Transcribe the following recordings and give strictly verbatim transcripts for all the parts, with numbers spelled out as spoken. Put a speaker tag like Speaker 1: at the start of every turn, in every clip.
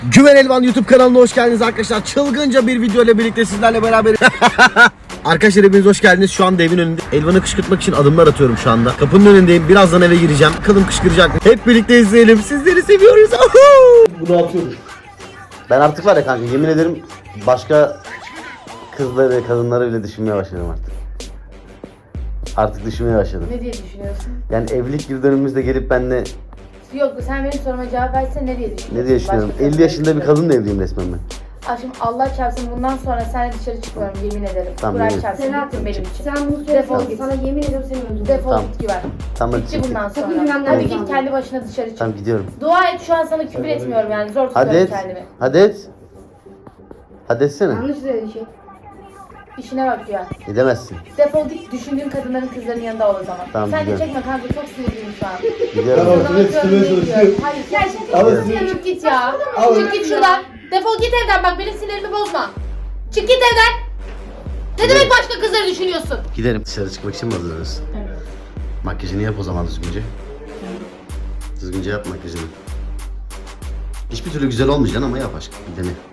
Speaker 1: Güven Elvan YouTube kanalına hoş geldiniz arkadaşlar. Çılgınca bir video ile birlikte sizlerle beraber. Arkadaşlar hepiniz hoş geldiniz. Şu anda evin önünde. Elvan'ı kışkırtmak için adımlar atıyorum şu anda. Kapının önündeyim. Birazdan eve gireceğim. Bakalım kışkıracak mı? Hep birlikte izleyelim. Sizleri seviyoruz. Bunu atıyoruz. Ben artık var ya kanka, yemin ederim başka kızları, kadınları bile düşünmeye başladım artık. Artık düşünmeye başladım.
Speaker 2: Ne diye düşünüyorsun?
Speaker 1: Yani evlilik yıl dönümümüzde gelip benimle
Speaker 2: Yok, sen benim soruma cevap versen ne diye düşünüyorsun?
Speaker 1: ne diye düşünüyorum?
Speaker 2: Başka
Speaker 1: elli yaşında bir
Speaker 2: kadınla
Speaker 1: kadınla evliyim resmen ben.
Speaker 2: Aşkım Allah çarpsın, bundan sonra seninle dışarı çıkmıyorum, yemin ederim.
Speaker 1: Tamam,
Speaker 2: Kur'an
Speaker 1: yemin.
Speaker 2: çarpsın, bittin benim için.
Speaker 3: Sen bunu
Speaker 2: Defol
Speaker 3: söyle.
Speaker 2: git.
Speaker 3: Sana yemin ediyorum seni öldürürüm.
Speaker 2: Defol
Speaker 1: Tamam.
Speaker 2: git Güven.
Speaker 1: Tamam, hadi
Speaker 2: Bitti
Speaker 1: çekil.
Speaker 2: bundan
Speaker 3: Sakın
Speaker 2: sonra.
Speaker 3: güvenmem
Speaker 2: Hadi
Speaker 3: lazım.
Speaker 2: git kendi başına dışarı çık.
Speaker 1: Tamam, gidiyorum.
Speaker 2: Dua et, şu an sana küfür etmiyorum yani, zor
Speaker 1: Hadi
Speaker 2: tutuyorum
Speaker 1: et.
Speaker 2: kendimi.
Speaker 1: Hadi et. Hadi etsene.
Speaker 3: Yanlış söylediğin şey.
Speaker 2: İşine bak Güven.
Speaker 1: Edemezsin.
Speaker 2: Defol git, düşündüğün kadınların, kızların yanında ol o zaman.
Speaker 1: Tamam,
Speaker 2: Sen de
Speaker 1: gidiyorum.
Speaker 2: çekme kanka, çok sinirliyim şu an.
Speaker 1: Gidiyorum.
Speaker 2: Sana bakıyorum, ne diyorum. Hayır, gerçekten çık git ya. Çık git şuradan. Defol git evden, bak benim sinirimi bozma. Çık git evden. Ne demek başka kızları düşünüyorsun?
Speaker 1: Giderim. Dışarı çıkmak için mi hazırlanıyorsun?
Speaker 2: Evet.
Speaker 1: Makyajını yap o zaman düzgünce. Düzgünce yap makyajını. Hiçbir türlü güzel olmayacaksın ama yap aşkım. Bir dene.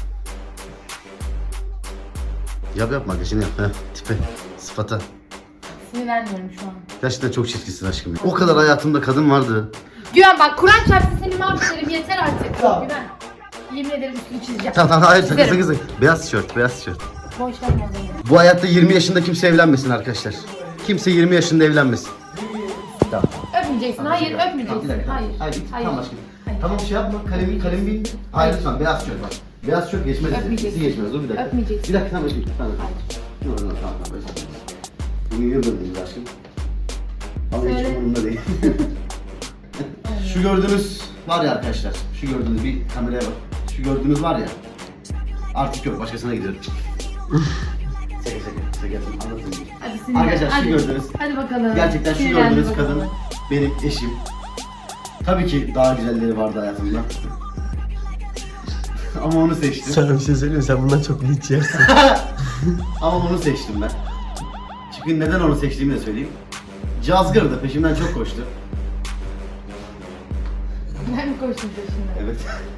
Speaker 1: Yap yap makyajını yap. Heh, tipe, sıfata.
Speaker 2: Sinirlenmiyorum şu an.
Speaker 1: Gerçekten çok çirkinsin aşkım. O kadar hayatımda kadın vardı.
Speaker 2: Güven bak, Kur'an çarpsın seni mahvederim, yeter artık. Güven. Yemin ederim üstünü çizeceğim.
Speaker 1: Tamam tamam, hayır sakın
Speaker 2: Çizerim.
Speaker 1: sakın. Beyaz tişört, beyaz tişört.
Speaker 2: Boş verme o zaman.
Speaker 1: Bu hayatta yirmi yaşında kimse evlenmesin arkadaşlar. Kimse yirmi yaşında evlenmesin. Tamam.
Speaker 2: Öpmeyeceksin, hayır öpmeyeceksin. Hayır.
Speaker 1: Hayır,
Speaker 2: Hayır.
Speaker 1: tamam aşkım.
Speaker 2: Hayır.
Speaker 1: Tamam şey yapma, kalemi kalemi bil. Hayır lütfen, beyaz tişört bak. Beyaz tişört geçmez.
Speaker 2: Öpmeyeceksin.
Speaker 1: Sizi geçmez, dur bir dakika.
Speaker 2: Öpmeyeceksin.
Speaker 1: Bir dakika tamam öpeyim. Tamam. Dur dur tamam tamam. Bugün yıldırmayız aşkım. Ama hiç
Speaker 2: Söyle.
Speaker 1: umurumda değil. Şu gördüğünüz var ya arkadaşlar. Şu gördüğünüz, bir kameraya bak. Şu gördüğünüz var ya. Artık yok, başkasına gidiyorum. Şaka şaka şaka yapayım, anlatayım.
Speaker 2: Hadi sinirlen.
Speaker 1: Arkadaşlar şu
Speaker 2: hadi.
Speaker 1: gördüğünüz,
Speaker 2: Hadi bakalım.
Speaker 1: gerçekten şu
Speaker 2: Sinirlendi
Speaker 1: gördüğünüz
Speaker 2: bakalım.
Speaker 1: kadın benim eşim. Tabii ki daha güzelleri vardı hayatımda. Ama onu seçtim.
Speaker 4: Sana bir şey söyleyeyim mi? Sen bundan çok linç yersin.
Speaker 1: Ama onu seçtim ben. Çünkü neden onu seçtiğimi de söyleyeyim. Cazgırdı, peşimden çok koştu.
Speaker 2: Ben mi koştum peşinden?
Speaker 1: Evet.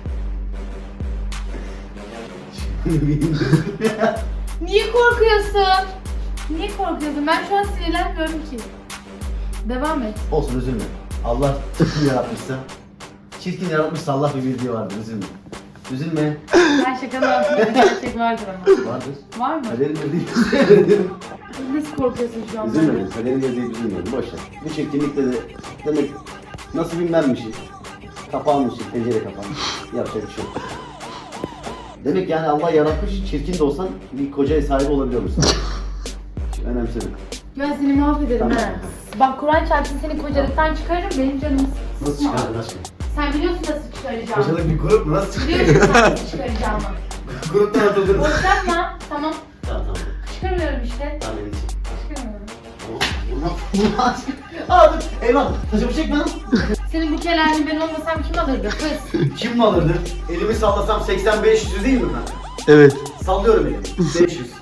Speaker 2: Niye korkuyorsun? Niye korkuyorsun? Ben şu an sinirlenmiyorum ki. Devam et.
Speaker 1: Olsun, üzülme. Allah çirkin yaratmışsa, çirkin yaratmışsa Allah bir bildiği vardır, üzülme. Üzülme.
Speaker 2: Ben şakanın altında bir gerçek vardır ama.
Speaker 1: Vardır.
Speaker 2: Var mı?
Speaker 1: Kaderin dediği
Speaker 2: Nasıl korkuyorsun şu an?
Speaker 1: üzülme. Kaderin dediği üzülme. Boş ver. Bu çirkinlikte de demek nasibim benmişim. Kapanmışım, pencere kapanmış. Yapacak bir şey yok. Demek yani Allah yaratmış, çirkin de olsan bir kocaya sahip olabiliyor musun? Önemseme.
Speaker 2: Ben seni mahvederim
Speaker 1: Tamam.
Speaker 2: ha. Bak Kur'an çarpsın, seni kocalıktan çıkarırım, benim canımı
Speaker 1: Nasıl
Speaker 2: sıkma.
Speaker 1: çıkardın aşkım?
Speaker 2: Sen biliyorsun nasıl çıkaracağımı.
Speaker 1: Kocalık bir grup mu? Nasıl çıkardın?
Speaker 2: Biliyorsun nasıl çıkaracağımı.
Speaker 1: Gruptan atıldın.
Speaker 2: Boşanma, tamam.
Speaker 1: Tamam tamam.
Speaker 2: Çıkarmıyorum işte.
Speaker 1: Tamam benim için.
Speaker 2: Çıkarmıyorum.
Speaker 1: Tamam. Vurma. Aa dur. Eyvallah. Taşımı çekme lan.
Speaker 2: Senin bu kelalini ben olmasam kim alırdı kız?
Speaker 1: Kim mi alırdı? Elimi sallasam seksen beş yüz değil mi ben?
Speaker 4: Evet.
Speaker 1: Sallıyorum elimi. beş yüz.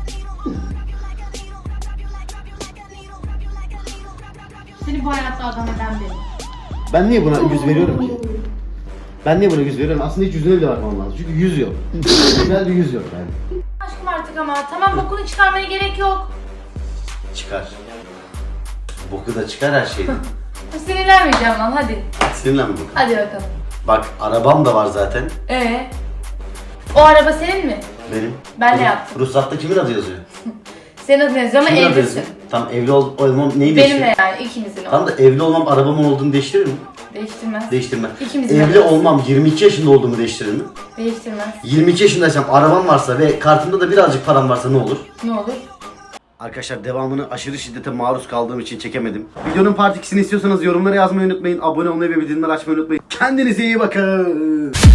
Speaker 2: Seni bu hayatta adam eden benim.
Speaker 1: Ben niye buna yüz veriyorum ki? Ben niye buna yüz veriyorum? Aslında hiç yüzüne bile bakmam lazım. Çünkü yüz yok. Güzel bir yüz yok yani.
Speaker 2: Aşkım artık ama tamam, bokunu çıkarmaya gerek yok.
Speaker 1: Çıkar. Boku da çıkar her şeyden.
Speaker 2: Sinirlenmeyeceğim lan, hadi.
Speaker 1: Sinirlenme boku.
Speaker 2: Hadi bakalım.
Speaker 1: Bak arabam da var zaten.
Speaker 2: Ee, o araba senin mi?
Speaker 1: Benim.
Speaker 2: Ben de
Speaker 1: Ruh-
Speaker 2: yaptım.
Speaker 1: Ruhsatta kimin adı yazıyor?
Speaker 2: Senin adın yazıyor ama
Speaker 1: Kimin adı
Speaker 2: evlisin.
Speaker 1: yazıyor? Tam evli ol olmam neyi
Speaker 2: Benimle
Speaker 1: değiştirir?
Speaker 2: yani, ikimizin o.
Speaker 1: Tam da evli olmam arabamın olduğunu değiştirir mi?
Speaker 2: Değiştirmez.
Speaker 1: Değiştirmez.
Speaker 2: İkimizin
Speaker 1: Evli
Speaker 2: arabası.
Speaker 1: olmam yirmi iki yaşında olduğumu değiştirir mi?
Speaker 2: Değiştirmez.
Speaker 1: yirmi iki yaşındaysam arabam varsa ve kartımda da birazcık param varsa ne olur?
Speaker 2: Ne olur?
Speaker 1: Arkadaşlar devamını aşırı şiddete maruz kaldığım için çekemedim. Videonun part ikisini istiyorsanız yorumlara yazmayı unutmayın. Abone olmayı ve bildirimleri açmayı unutmayın. Kendinize iyi bakın.